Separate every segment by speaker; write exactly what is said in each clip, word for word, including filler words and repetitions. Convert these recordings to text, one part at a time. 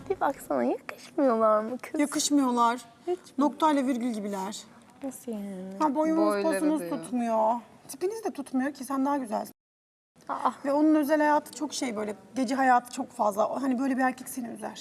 Speaker 1: Bir baksana yakışmıyorlar mı kız?
Speaker 2: Yakışmıyorlar. Noktayla virgül gibiler.
Speaker 1: Nasıl yani?
Speaker 2: Ha, boyunuz
Speaker 3: Boyları
Speaker 2: posunuz
Speaker 3: diyor.
Speaker 2: tutmuyor. Tipiniz de tutmuyor ki, sen daha güzelsin.
Speaker 1: Aa,
Speaker 2: Ve onun özel hayatı çok şey, böyle gece hayatı çok fazla. Hani böyle bir erkek seni üzer.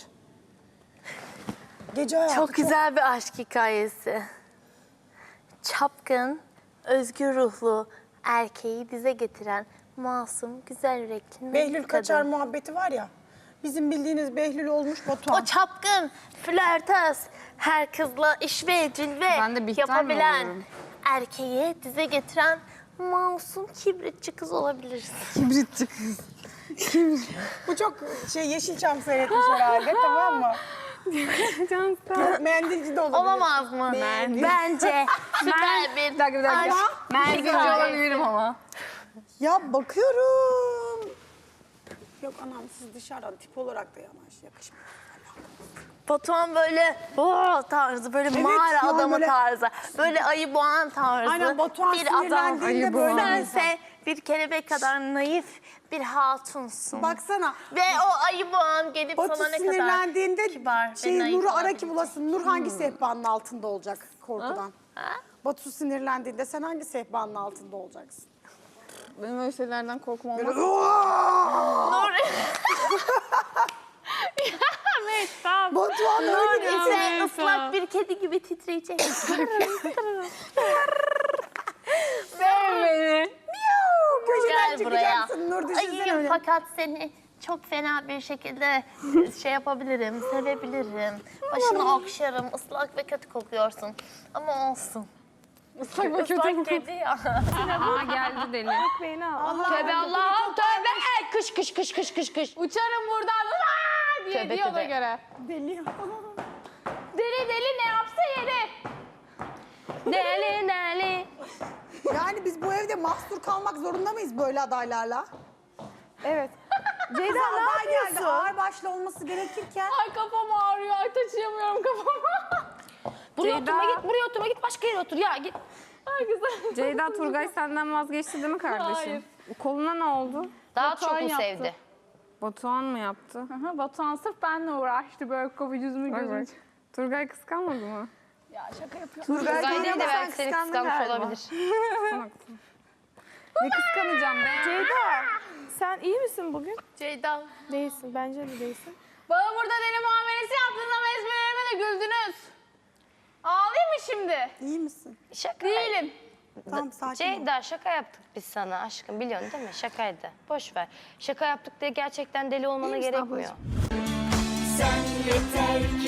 Speaker 2: Gece hayatı
Speaker 1: çok güzel bir aşk hikayesi. Çapkın, özgür ruhlu erkeği dize getiren masum, güzel yürekli
Speaker 2: Behlül
Speaker 1: kadın.
Speaker 2: Kaçar muhabbeti var ya. Bizim bildiğiniz Behlül olmuş Batuhan.
Speaker 1: O çapkın, flörtöz, her kızla iş ve cilve
Speaker 3: Ben de Bihter mi
Speaker 1: yapabilen
Speaker 3: oluyorum?
Speaker 1: erkeği dize getiren masum, kibritçi kız olabilirsin.
Speaker 3: Kibritçi kız.
Speaker 2: Bu çok şey, Yeşilçam seyretmiş herhalde, tamam mı?
Speaker 3: Can sağ ol.
Speaker 2: Mendilci de olabilir.
Speaker 1: Olamaz mı?
Speaker 2: Mendil.
Speaker 1: Bence süper bir
Speaker 3: Bir dakika bir dakika.
Speaker 1: aşk
Speaker 3: Menzilci
Speaker 1: hikayesi.
Speaker 3: olabilirim ama.
Speaker 2: Ya bakıyorum. Yok anam, siz dışarıdan tip olarak da yanaş, yakışmıyor.
Speaker 1: Batuhan böyle o tarzı, böyle
Speaker 2: Evet,
Speaker 1: mağara
Speaker 2: ya
Speaker 1: adamı
Speaker 2: böyle-
Speaker 1: tarzı, böyle ayı boğan tarzı
Speaker 2: Aynen, Batuhan
Speaker 1: bir adam.
Speaker 2: sinirlendiğinde
Speaker 3: Ayı
Speaker 2: böyle
Speaker 3: boğan.
Speaker 2: bir insan.
Speaker 1: Sense bir kelebek kadar naif bir hatunsun.
Speaker 2: Baksana.
Speaker 1: Ve o ayı boğan gelip
Speaker 2: Batu
Speaker 1: sana ne kadar
Speaker 2: sinirlendiğinde
Speaker 1: kibar ve
Speaker 2: şey,
Speaker 1: naif
Speaker 2: Nur'u ara
Speaker 1: olabilecek.
Speaker 2: ki bulasın. Nur hangi sehpanın altında olacak korkudan? Batu sinirlendiğinde sen hangi sehpanın altında olacaksın?
Speaker 3: Benim öyle şeylerden korkmam olmaz.
Speaker 1: Nur,
Speaker 2: Batuhan
Speaker 1: Nur
Speaker 2: öyle değil.
Speaker 1: ise ıslak bir kedi gibi titreyecek.
Speaker 2: Köşeden
Speaker 1: Gel buraya.
Speaker 2: çıkacaksın Nur, düşünsene
Speaker 1: Ayıyım
Speaker 2: öyle.
Speaker 1: fakat seni çok fena bir şekilde şey yapabilirim, sevebilirim. Başını okşarım, ıslak ve kötü kokuyorsun. Ama olsun.
Speaker 3: Islak ve kötü
Speaker 1: Islak kedi ya.
Speaker 3: Aha geldi deli.
Speaker 4: Tövbe Allah'ım tövbe. Ey, Kış kış kış kış kış kış.
Speaker 3: Uçarım buradan Aa! diye
Speaker 4: Tövbe,
Speaker 3: diyor ona
Speaker 4: tövbe.
Speaker 3: göre.
Speaker 2: Deli.
Speaker 3: Deli deli ne yapsa yeri.
Speaker 4: Deli deli.
Speaker 2: Yani biz bu evde mahsur kalmak zorunda mıyız böyle adaylarla?
Speaker 1: Evet.
Speaker 2: Ceyda ne yapıyorsun? Geldi, ağır başlı olması gerekirken.
Speaker 3: Ay kafam ağrıyor. Ay taşıyamıyorum kafamı.
Speaker 4: Buraya
Speaker 3: Ceyda.
Speaker 4: oturma git, buraya oturma git, başka yere otur ya git.
Speaker 3: Ay güzel.
Speaker 5: Ceyda, Turgay senden vazgeçti değil mi kardeşim?
Speaker 3: Hayır.
Speaker 5: Koluna ne oldu?
Speaker 4: Daha
Speaker 3: Batuhan
Speaker 4: çok mu
Speaker 3: yaptı.
Speaker 4: sevdi?
Speaker 5: Batuhan mı yaptı?
Speaker 3: Aha, Batuhan sırf benimle uğraştı böyle kapı yüzümü
Speaker 5: Bak
Speaker 3: gözümü.
Speaker 5: bak. Turgay kıskanmadı mı?
Speaker 3: Ya şaka yapıyorum.
Speaker 4: Turgay
Speaker 2: Turgay
Speaker 4: de
Speaker 2: da
Speaker 4: belki
Speaker 2: sen
Speaker 4: seni
Speaker 2: kıskandın
Speaker 4: kıskanmış
Speaker 2: galiba.
Speaker 4: olabilir.
Speaker 5: Ne kıskanacağım be?
Speaker 6: Ceyda, sen iyi misin bugün?
Speaker 1: Ceyda.
Speaker 6: Değilsin, bence de değilsin.
Speaker 3: Bana burada deli muamelesi yaptınız ama esprilerime de güldünüz. Ağlayayım mı şimdi?
Speaker 2: İyi misin?
Speaker 4: Şaka.
Speaker 3: Değilim.
Speaker 2: Tamam, sakin ol.
Speaker 4: Ceyda şaka yaptık biz sana aşkım, biliyorsun değil mi? Şakaydı. Boş ver. Şaka yaptık diye gerçekten deli olmana gerekmiyor.
Speaker 7: Sen yeter ki